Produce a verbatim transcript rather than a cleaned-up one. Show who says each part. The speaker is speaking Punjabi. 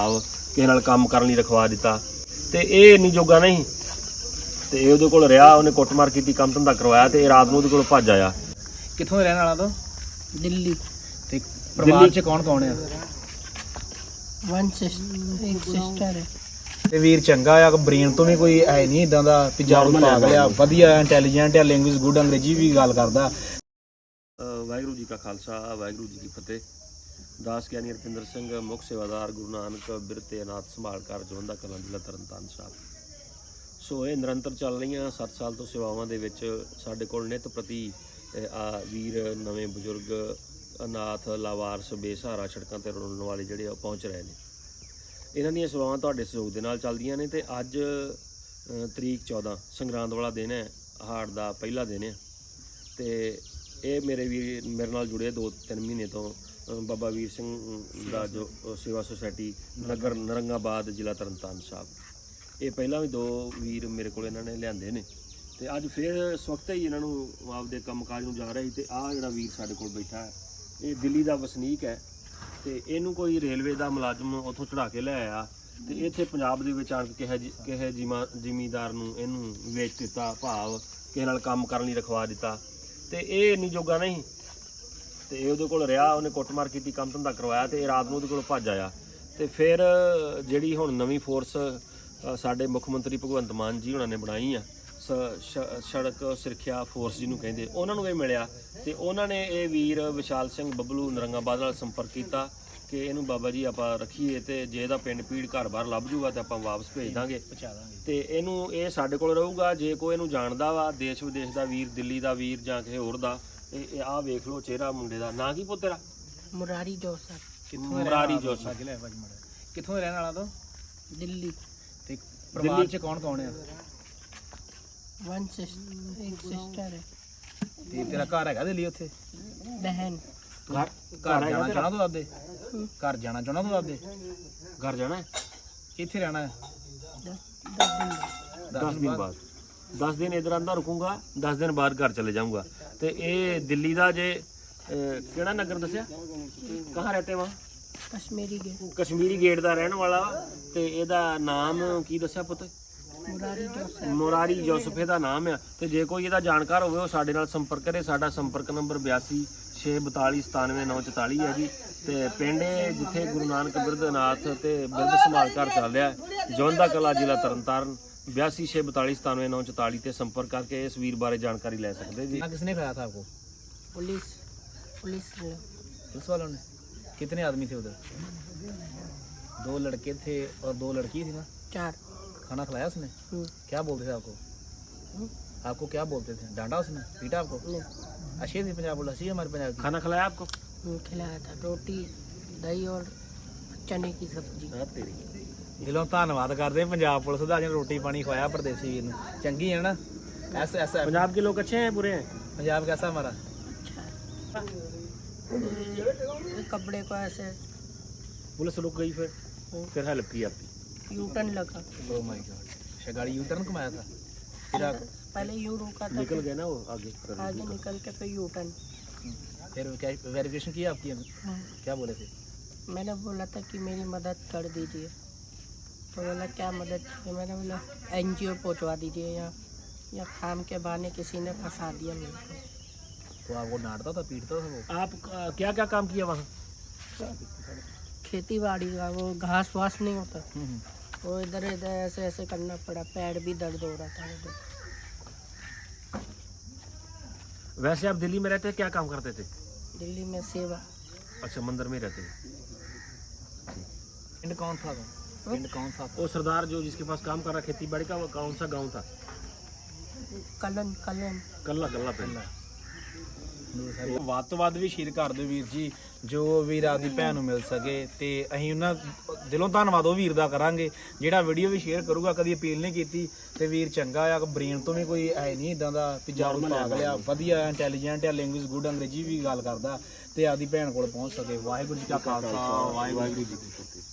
Speaker 1: ਕਿਸੇ ਨਾਲ ਕੰਮ ਕਰਨ ਲਈ ਰਖਵਾ ਦਿੱਤਾ ਤੇ ਇਹ ਇੰਨੀ ਜੋਗਾ ਨਹੀਂ ਤੇ ਇਹ ਉਹਦੇ ਕੋਲ ਰਿਹਾ। ਉਹਨੇ ਕੁੱਟਮਾਰ ਕੀਤੀ, ਕੰਮ ਧੰਦਾ ਕਰਵਾਇਆ ਤੇ ਇਹ ਰਾਤ ਨੂੰ ਉਹਦੇ ਕੋਲ ਭੱਜ ਆਇਆ।
Speaker 2: ਕਿੱਥੋਂ ਦੇ ਰਹਿਣ ਵਾਲਾ ਤੂੰ?
Speaker 3: दिल्ली।
Speaker 2: ਤੇ ਪਰਿਵਾਰ 'ਚ ਕੌਣ ਕੌਣ ਆ?
Speaker 3: वन सिस्टर एक सिस्टर है।
Speaker 2: ਤੇ ਵੀਰ ਚੰਗਾ ਆ, ਬ੍ਰੇਨ ਤੋਂ ਵੀ ਕੋਈ ਹੈ ਨਹੀਂ ਇਦਾਂ ਦਾ ਵੀ ਜਾਰੂ ਪਾਗਲ ਆ, ਵਧੀਆ ਇੰਟੈਲੀਜੈਂਟ ਆ, ਲੈਂਗੁਏਜ ਗੁੱਡ, ਅੰਗਰੇਜ਼ੀ ਵੀ ਗੱਲ ਕਰਦਾ।
Speaker 1: ਵਾਹਿਗੁਰੂ ਜੀ ਕਾ ਖਾਲਸਾ, ਵਾਹਿਗੁਰੂ ਜੀ ਕੀ ਫਤਿਹ। ਦਾਸ ਗਿਆਨੀ ਰਪਿੰਦਰ ਸਿੰਘ, ਮੁੱਖ ਸੇਵਾਦਾਰ, ਗੁਰੂ ਨਾਨਕ ਬਿਰਤੇ ਅਨਾਥ ਸੰਭਾਲ ਕਾਰਜ ਜਵੰਦਾ ਕਲਾਂ ਜ਼ਿਲ੍ਹਾ ਤਰਨਤਾਰਨ ਸਾਹਿਬ। ਸੋ ਇਹ ਨਿਰੰਤਰ ਚੱਲ ਰਹੀਆਂ ਸੱਤ ਸਾਲ ਤੋਂ ਸੇਵਾਵਾਂ ਦੇ ਵਿੱਚ ਸਾਡੇ ਕੋਲ ਨਿਤ ਪ੍ਰਤੀ ਆ ਵੀਰ, ਨਵੇਂ ਬਜ਼ੁਰਗ, ਅਨਾਥ, ਲਾਵਾਰਸ, ਬੇਸਹਾਰਾ, ਸੜਕਾਂ 'ਤੇ ਰੋਲਣ ਵਾਲੇ ਜਿਹੜੇ ਉਹ ਪਹੁੰਚ ਰਹੇ ਨੇ। ਇਹਨਾਂ ਦੀਆਂ ਸੇਵਾਵਾਂ ਤੁਹਾਡੇ ਸਹਿਯੋਗ ਦੇ ਨਾਲ ਚੱਲਦੀਆਂ ਨੇ। ਤੇ ਅੱਜ ਤਰੀਕ ਚੌਦਾਂ ਸੰਗਰਾਂਦ ਵਾਲਾ ਦਿਨ ਹੈ, ਹਾੜ ਦਾ ਪਹਿਲਾ ਦਿਨ ਹੈ। ਤੇ ਇਹ ਮੇਰੇ ਵੀਰ ਮੇਰੇ ਨਾਲ ਜੁੜੇ ਦੋ ਤਿੰਨ ਮਹੀਨੇ ਤੋਂ ਬਾਬਾ ਵੀਰ ਸਿੰਘ ਦਾ ਜੋ ਸੇਵਾ ਸੁਸਾਇਟੀ ਨਗਰ ਨਰੰਗਾਬਾਦ, ਜ਼ਿਲ੍ਹਾ ਤਰਨਤਾਰਨ ਸਾਹਿਬ। ਇਹ ਪਹਿਲਾਂ ਵੀ ਦੋ ਵੀਰ ਮੇਰੇ ਕੋਲ ਇਹਨਾਂ ਨੇ ਲਿਆਂਦੇ ਨੇ ਤੇ ਅੱਜ ਫਿਰ ਇਸ ਵਕਤ ਹੀ ਇਹਨਾਂ ਨੂੰ ਆਪਦੇ ਕੰਮਕਾਜ ਨੂੰ ਜਾ ਰਿਹਾ ਸੀ। ਤੇ ਆਹ ਜਿਹੜਾ ਵੀਰ ਸਾਡੇ ਕੋਲ ਬੈਠਾ ਹੈ, ਇਹ ਦਿੱਲੀ ਦਾ ਵਸਨੀਕ ਹੈ ਤੇ ਇਹਨੂੰ ਕੋਈ ਰੇਲਵੇ ਦਾ ਮੁਲਾਜ਼ਮ ਉੱਥੋਂ ਚੜਾ ਕੇ ਲੈ ਆਇਆ ਤੇ ਇੱਥੇ ਪੰਜਾਬ ਦੇ ਵਿੱਚ ਆਣ ਕੇ ਕਿਸੇ ਕਿਸੇ ਜ਼ਿਮਾ ਜ਼ਿਮੀਂਦਾਰ ਨੂੰ ਇਹਨੂੰ ਵੇਚ ਦਿੱਤਾ, ਭਾਵ ਕਿਸੇ ਨਾਲ ਕੰਮ ਕਰਨ ਲਈ ਰਖਵਾ ਦਿੱਤਾ ਤੇ ਇਹ ਇੰਨੀ ਜੋਗਾ ਨਹੀਂ ਤੇ ਇਹ ਉਹਦੇ ਕੋਲ ਰਿਹਾ। ਉਹਨੇ ਕੁੱਟਮਾਰ ਕੀਤੀ, ਕੰਮ ਧੰਦਾ ਕਰਵਾਇਆ ਤੇ ਇਹ ਰਾਤ ਨੂੰ ਉਹਦੇ ਕੋਲ ਭੱਜ ਆਇਆ। ਤੇ ਫਿਰ ਜਿਹੜੀ ਹੁਣ ਨਵੀਂ ਫੋਰਸ ਸਾਡੇ ਮੁੱਖ ਮੰਤਰੀ ਭਗਵੰਤ ਮਾਨ ਜੀ ਉਹਨਾਂ ਨੇ ਬਣਾਈ ਆ, ਸੜਕ ਸੁਰੱਖਿਆ ਫੋਰਸ ਜਿਹਨੂੰ ਕਹਿੰਦੇ, ਉਹਨਾਂ ਨੂੰ ਇਹ ਮਿਲਿਆ ਤੇ ਉਹਨਾਂ ਨੇ ਇਹ ਵੀਰ ਵਿਸ਼ਾਲ ਸਿੰਘ ਬੱਬਲੂ ਨਰੰਗਾਬਾਦ ਨਾਲ ਸੰਪਰਕ ਕੀਤਾ ਕਿ ਇਹਨੂੰ ਬਾਬਾ ਜੀ ਆਪਾਂ ਰੱਖੀਏ ਤੇ ਜੇ ਇਹਦਾ ਪਿੰਡ ਪੀੜ ਘਰ-ਬਾਰ ਲੱਭ ਜੂਗਾ ਤੇ ਆਪਾਂ ਵਾਪਸ ਭੇਜ ਦਾਂਗੇ, ਪਹੁੰਚਾ ਦਾਂਗੇ ਤੇ ਇਹਨੂੰ ਇਹ ਸਾਡੇ ਕੋਲ ਰਹੂਗਾ। ਜੇ ਕੋਈ ਇਹਨੂੰ ਜਾਣਦਾ ਵਾ ਦੇਸ਼ ਵਿਦੇਸ਼ ਦਾ ਵੀਰ, ਦਿੱਲੀ ਦਾ ਵੀਰ ਜਾਂ ਕਿਸੇ ਹੋਰ ਦਾ, ਇਹ ਆਹ ਵੇਖ ਲਓ ਚਿਹਰਾ ਮੁੰਡੇ ਦਾ। ਨਾਂ ਕੀ ਪੁੱਤ ਤੇਰਾ?
Speaker 3: मुरारी जोसर।
Speaker 1: ਮੁਰਾਰੀ ਜੋਸਰ।
Speaker 2: ਕਿੱਥੋਂ ਦੇ ਰਹਿਣ ਵਾਲਾ ਤੂੰ?
Speaker 3: दिल्ली।
Speaker 2: ਤੇ ਪਰਿਵਾਰ 'ਚ ਕੌਣ ਕੌਣ ਆ?
Speaker 3: वन सिस्टर एक सिस्टर है।
Speaker 2: ਤੇ ਤੇਰਾ ਘਰ ਹੈਗਾ ਦਿੱਲੀ? ਉੱਥੇ
Speaker 3: बहन।
Speaker 2: ਘਰ ਘਰ ਜਾਣਾ ਚਾਹਣਾ ਤੂੰ ਦਾਦੇ? ਘਰ ਜਾਣਾ ਚਾਹਣਾ ਤੂੰ ਦਾਦੇ?
Speaker 1: ਘਰ ਜਾਣਾ ਹੈ?
Speaker 2: ਕਿੱਥੇ ਰਹਿਣਾ ਹੈ?
Speaker 3: दस दस दिन।
Speaker 1: दस दिन बाद दस दिन इधर अंदर रुकूंगा, दस दिन बाद घर चले जाऊंगा। तो ये दिल्ली का जे केड़ा नगर दसिया, कहाँ रहते वहाँ?
Speaker 3: कश्मीरी गेट।
Speaker 1: कश्मीरी गेट का रहने वाला। तो ਇਹਦਾ ਨਾਮ ਕੀ ਦੱਸਿਆ ਪੁੱਤ?
Speaker 3: मुरारी जोसर।
Speaker 1: ਮੁਰਾਰੀ ਜੋਸਫ ਇਹਦਾ ਨਾਮ ਆ। ਤੇ ਜੇ ਕੋਈ ਇਹਦਾ ਜਾਣਕਾਰ ਹੋਵੇ ਉਹ ਸਾਡੇ ਨਾਲ ਸੰਪਰਕ ਕਰੇ। ਸਾਡਾ ਸੰਪਰਕ ਨੰਬਰ ਬਿਆਸੀ ਛੇ ਬਤਾਲੀ ਸਤਾਨਵੇਂ ਨੌ ਚੁਤਾਲੀ ਹੈ ਜੀ। ਤੇ ਪਿੰਡ ਜਿੱਥੇ ਗੁਰੂ ਨਾਨਕ ਬਿਰਧ ਅਨਾਥ ਤੇ ਬਿਰਧ ਸੰਭਾਲ ਘਰ ਚੱਲ ਰਿਹਾ, ਜਵੰਦਾ ਕਲਾਂ, ਜ਼ਿਲ੍ਹਾ ਤਰਨਤਾਰਨ। ਬਿਆਸੀ ਛੇ ਬਤਾਲੀ ਸਤਾਨਵੇਂ ਨੌ ਚੁਤਾਲੀ ਤੇ ਸੰਪਰਕ ਕਰਕੇ ਇਸ ਵੀਰ ਬਾਰੇ ਜਾਣਕਾਰੀ ਲੈ ਸਕਦੇ जी।
Speaker 2: किसने कराया था आपको?
Speaker 3: पुलिस पुलिस ने।
Speaker 2: पुलिस वालों ने? कितने आदमी थे उधर? दो लड़के थे और दो लड़की थी ना?
Speaker 3: चार।
Speaker 2: खाना खिलाया उसने? क्या बोलते थे आपको? आपको क्या बोलते थे? डांटा उसने? पीटा आपको? अच्छी थी पंजाब बोला, अच्छी है हमारे पंजाब की।
Speaker 1: खाना खिलाया आपको?
Speaker 3: खिलाया था रोटी, दही और चने की सब्जी।
Speaker 2: दिलों धन्नवाद करते पंजाब पुलिस का, जिन्हें रोटी पानी खवाया परदेसी वीर नूं। चंगी है ना? ऐसा ऐसा
Speaker 1: पंजाब के लोग अच्छे हैं बुरे हैं?
Speaker 2: पंजाब कैसा हमारा?
Speaker 3: अच्छा। कपड़े को ऐसे
Speaker 1: पुलिस रुक गई, फिर फिर हेल्प की आपकी?
Speaker 3: यूटर्न लगा।
Speaker 2: Oh my God. अच्छा, गाड़ी यू टर्न घुमाया था? फिर आप
Speaker 3: पहले यू रोका था,
Speaker 1: निकल गए ना वो आगे?
Speaker 3: आगे निकल के फिर यूटर्न।
Speaker 2: फिर क्या वेरिफिकेशन किया आपकी? क्या बोले थे?
Speaker 3: मैंने बोला था कि मेरी मदद कर दीजिए, तो बोला क्या मदद चाहिए? मैंने बोला एनजीओ पहुंचवा दीजिए, या या काम के बहाने किसी ने फंसा दिया मेरे को।
Speaker 2: तो आपको डांटता था, पीटता था वो?
Speaker 1: आप क्या क्या काम किया वहाँ?
Speaker 3: खेती बाड़ी का वो घास वास नहीं होता, वो इधर इधर ऐसे ऐसे करना पड़ा, पैर भी दर्द हो रहा था उधर।
Speaker 1: वैसे आप दिल्ली में रहते, क्या काम करते थे?
Speaker 3: दिल्ली में सेवा।
Speaker 1: अच्छा, मंदिर में रहते थे।
Speaker 2: पिंड कौन था? पिंड कौन सा था?
Speaker 1: वो सरदार जो जिसके पास काम कर रहा खेती बाड़ी का, वो कौन सा गांव था?
Speaker 3: कलन कलन
Speaker 1: कल्ला कल्ला पिंड।
Speaker 2: ਵੱਧ ਤੋਂ ਵੱਧ ਵੀ ਸ਼ੇਅਰ ਕਰ ਦਿਓ ਵੀਰ ਜੀ, ਜੋ ਵੀਰ ਆਪਦੀ ਭੈਣ ਨੂੰ ਮਿਲ ਸਕੇ। ਤੇ ਅਸੀਂ ਉਹਨਾਂ ਦਿਲੋਂ ਧੰਨਵਾਦ ਉਹ ਵੀਰ ਦਾ ਕਰਾਂਗੇ ਜਿਹੜਾ ਵੀਡੀਓ ਵੀ ਸ਼ੇਅਰ ਕਰੂਗਾ। ਕਦੀ ਅਪੀਲ ਨਹੀਂ ਕੀਤੀ ਤੇ ਵੀਰ ਚੰਗਾ ਆ, ਬ੍ਰੇਨ ਤੋਂ ਵੀ ਕੋਈ ਹੈ ਨਹੀਂ ਇਦਾਂ ਦਾ ਵੀ ਜਾਰੂ ਪਾਗਲ ਆ, ਵਧੀਆ ਇੰਟੈਲੀਜੈਂਟ ਆ, ਲੈਂਗੁਏਜ ਗੁੱਡ, ਅੰਗਰੇਜ਼ੀ ਵੀ ਗੱਲ ਕਰਦਾ ਤੇ ਆਪਦੀ ਭੈਣ ਕੋਲ ਪਹੁੰਚ ਸਕੇ। ਵਾਹਿਗੁਰੂ ਜੀ ਕਾ ਖਾਲਸਾ, ਵਾਹਿਗੁਰੂ ਜੀ ਕੀ ਫਤਿਹ।